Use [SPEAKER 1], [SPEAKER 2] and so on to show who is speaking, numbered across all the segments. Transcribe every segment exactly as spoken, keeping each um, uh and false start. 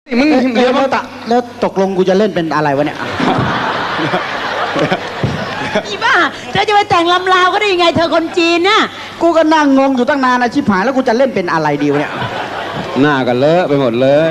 [SPEAKER 1] มึงเดี๋ยวมาตะ
[SPEAKER 2] แล้วตกลงกูจะเล่นเป็นอะไรวะเนี่ย
[SPEAKER 3] อีบ้าเธอจะไปแต่งลำลาวก็ได้ยังไงเธอคนจีนน่ะ
[SPEAKER 2] กูก็นั่งงงอยู่ตั้งนานนะชิบหายแล้วกูจะเล่นเป็นอะไรดีวะเนี่ย
[SPEAKER 1] หน้ากันเลอะไปหมดเลย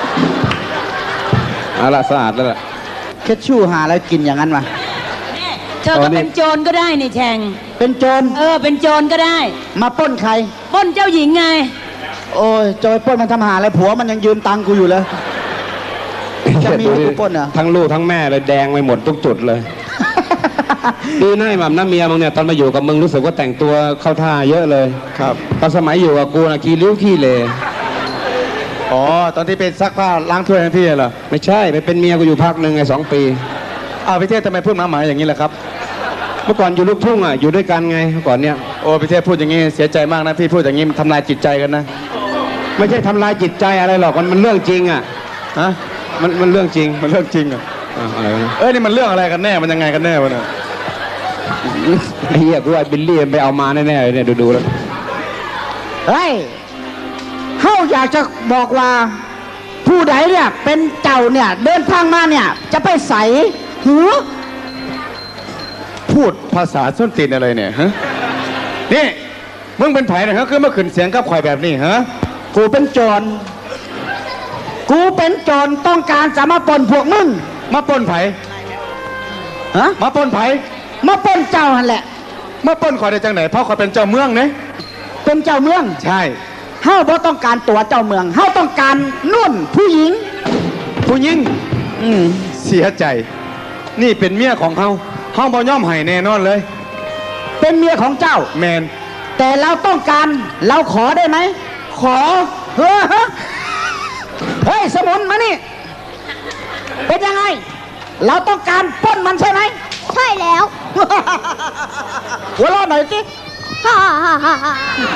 [SPEAKER 1] เอาละสะอาดแล้วล่ะ
[SPEAKER 2] แค่ชู่หาแล้วกินอย่างนั้นวะ
[SPEAKER 3] เธอก็เป็นโจรก็ได้นี่แชง
[SPEAKER 2] เป็นโจร
[SPEAKER 3] เออเป็นโจรก็ได้
[SPEAKER 2] มาปล้นใคร
[SPEAKER 3] ปล้นเจ้าหญิงไง
[SPEAKER 2] โอ้ยจะไปปล้นมันทำหาอะไรผัวมันยังยืมตังค์กูอยู่เลยจะมีให้กูปล้นเหรอ
[SPEAKER 1] ทั้งลูกทั้งแม่เลยแดงไปหมดทุกจุดเลย ดีนะไอ้หม่ำน้าเมียมึงเนี่ยตอนมาอยู่กับมึงรู้สึกว่าแต่งตัวเข้าท่าเยอะเลยครับตอนสมัยอยู่กับกูนะขี้ริ้วขี้เลอ๋อตอนที่เป็นซักผ้าล้างถ้วยทั้งที่เหรอไม่ใช่ไปเป็นเมียกูอยู่พักหนึ่งไงสองปีอ้าวพี่เทพทำไมพูดมาหมายอย่างนี้ล่ะครับเมื่อก่อนอยู่ลูกทุ่งอ่ะอยู่ด้วยกันไงเมื่อก่อนเนี่ยโอ้พี่เทพพูดอย่างนี้เสียใจมากนะพี่พูดอย่างนี้ทำลายจิตใจกันนะไม่ใช่ทำลายจิตใจอะไรหรอกมันมันเรื่องจริงอ่ะฮะมันมันเรื่องจริงมันเรื่องจริงอ่ะอะไรนะเอ้ยนี่มันเรื่องอะไรกันแน่มันยังไงกันแน่วะเนี่ยไอ้เหี้ยกูว่าบิลลี่ไปเอามาแน่ๆเนี่ยดูๆแล้ว
[SPEAKER 2] เฮ้ยเขาอยากจะบอกว่า ผู้ใดเนี่ยเป็นเจ้าเนี่ยเดินทางมาเนี่ยจะไปใส่หือ
[SPEAKER 1] พูดภาษาส้นตีนอะไรเนี่ยฮะนี่มึงเป็นไผ่นะครับคือมาขึ้นเสียงกับข่อยแบบนี้ฮะ
[SPEAKER 2] กูเป็นโจรกูเป็นโจรต้องการจะมาปล้นพวกมึง
[SPEAKER 1] มาปล้นไผ่
[SPEAKER 2] ฮะ
[SPEAKER 1] มาปล้นไผ่
[SPEAKER 2] มาปล้นเจ้าหันแหละ
[SPEAKER 1] มาปล้นข่อยได้จังไหนเพราะข่อยเป็นเจ้าเมืองเนี่ย
[SPEAKER 2] เป็นเจ้าเมือง
[SPEAKER 1] ใช่
[SPEAKER 2] เฮาบ่ต้องการตัวเจ้าเมืองเฮาต้องการนุ่นผู้หญิง
[SPEAKER 1] ผู้หญิง
[SPEAKER 2] อืม
[SPEAKER 1] เสียใจ นี่เป็นเมียของเขาเขาบ่ย่อมให้แน่นอนเลย
[SPEAKER 2] เป็นเมียของเจ้า
[SPEAKER 1] แมน
[SPEAKER 2] แต่เราต้องการเราขอได้ไหมขอเฮ้อฮะเฮ้ยสมุนมานี่เป็นยังไง เราต้องการปล้นมันใช่ไหม
[SPEAKER 4] ใช่แล้ว
[SPEAKER 2] หัวเราะหน่อยสิ
[SPEAKER 4] ฮ่าฮ่าฮ่าฮ่า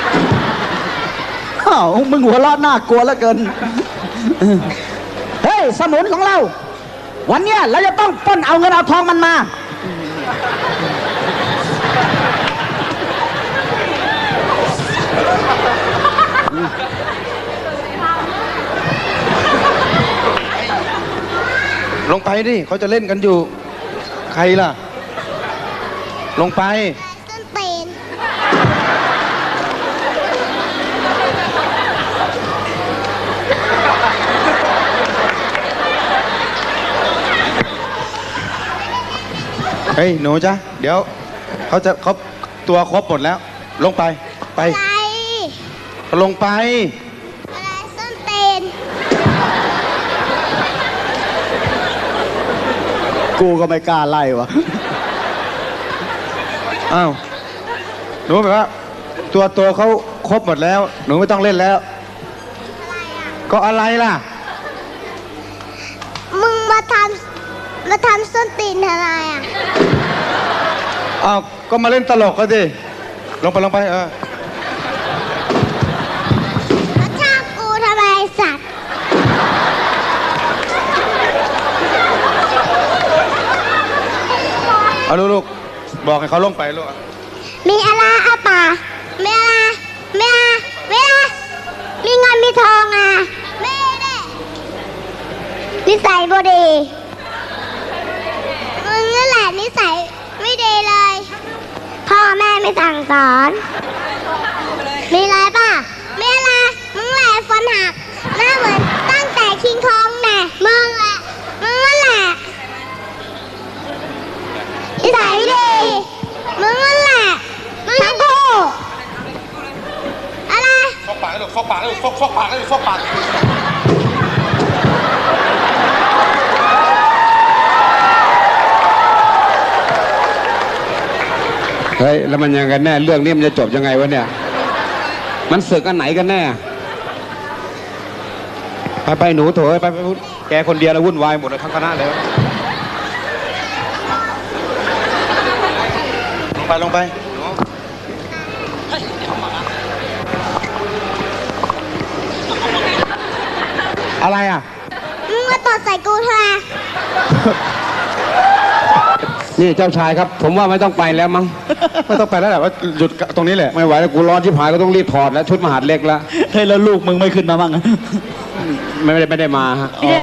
[SPEAKER 2] อ้าวมึงหัวเราะน่ากลัวเหลือเกินเฮ้ยสมุนของเรา วันเนี้ยเราจะต้องปล้นเอาเงินเอาทองมันมา
[SPEAKER 1] ลงไปดิเขาจะเล่นกันอยู่ ใครล่ะ ลงไป
[SPEAKER 4] ต้นตีน
[SPEAKER 1] เฮ้ยหนูจ๊ะเดี๋ยวเขาจะเขาตัวครบหมดแล้ว ลงไปไป
[SPEAKER 4] อะไร
[SPEAKER 1] ลงไป
[SPEAKER 4] อะไรต้นตีน
[SPEAKER 2] กูก็ไม่กล้าไล่วะ
[SPEAKER 1] อ้าวหนูแบบว่า ตัวตัวเขาครบหมดแล้ว หนูไม่ต้องเล่นแล้ว ก็อะไรล่ะ
[SPEAKER 4] มึงมาทำมาทำส้นตีนอะไรอ่ะ
[SPEAKER 1] อ้าวก็มาเล่นตลกก็ดิลงไปลงไปเออ
[SPEAKER 4] มาจ้างกูทำไมไอ้สัตว์
[SPEAKER 1] เอาลูกๆบอกให้เขาลงไปลูก
[SPEAKER 4] มีอะไรอ่ะป่ามีอะไรมีอะไรมีอะไรมีเงินมีทองอ่ะไม่ได้นิสัยบ่ดีมึงนั่นแหละนิสัยไม่ดีเลย พ่อแม่ไม่สั่งสอน มีอะไรป่ะมีอะไร มึงแหละฟันหัก หน้าเหมือนตั้งแต่คิงคองแน่มึงแหละ มึงนั่นแหละนิสัยไม่ดี มึงนั่นแหละ มึงทั้งคู่อะไร
[SPEAKER 1] ซกปากเลยลูกซกปากเลยลูกซกซกปากเลยลูกซกปากเฮ้ยแล้วมันยังกันแน่เรื่องนี้มันจะจบยังไงวะเนี่ยมันศึกอันไหนกันแน่ไปไปหนูโถไปไปแกคนเดียวแล้ววุ่นวายหมดเลยทั้งคณะเลยลงไปลงไปอะไรอ่ะ
[SPEAKER 4] มึงมาตดใส่กูทำไม
[SPEAKER 1] นี่เจ้าชายครับ ผมว่าไม่ต้องไปแล้วมั้ง ไม่ต้องไปแล้วแหละว่าหยุดตรงนี้แหละไม่ไหวแล้วกูร้อนชิบหายก็ต้องรีบถอดแล้วชุดมหาดเล็กแล้ว
[SPEAKER 2] เฮ้ยแล้วลูกมึงไม่ขึ้นมาบ้าง
[SPEAKER 1] มไม่ได้ไม่ได้มาฮะ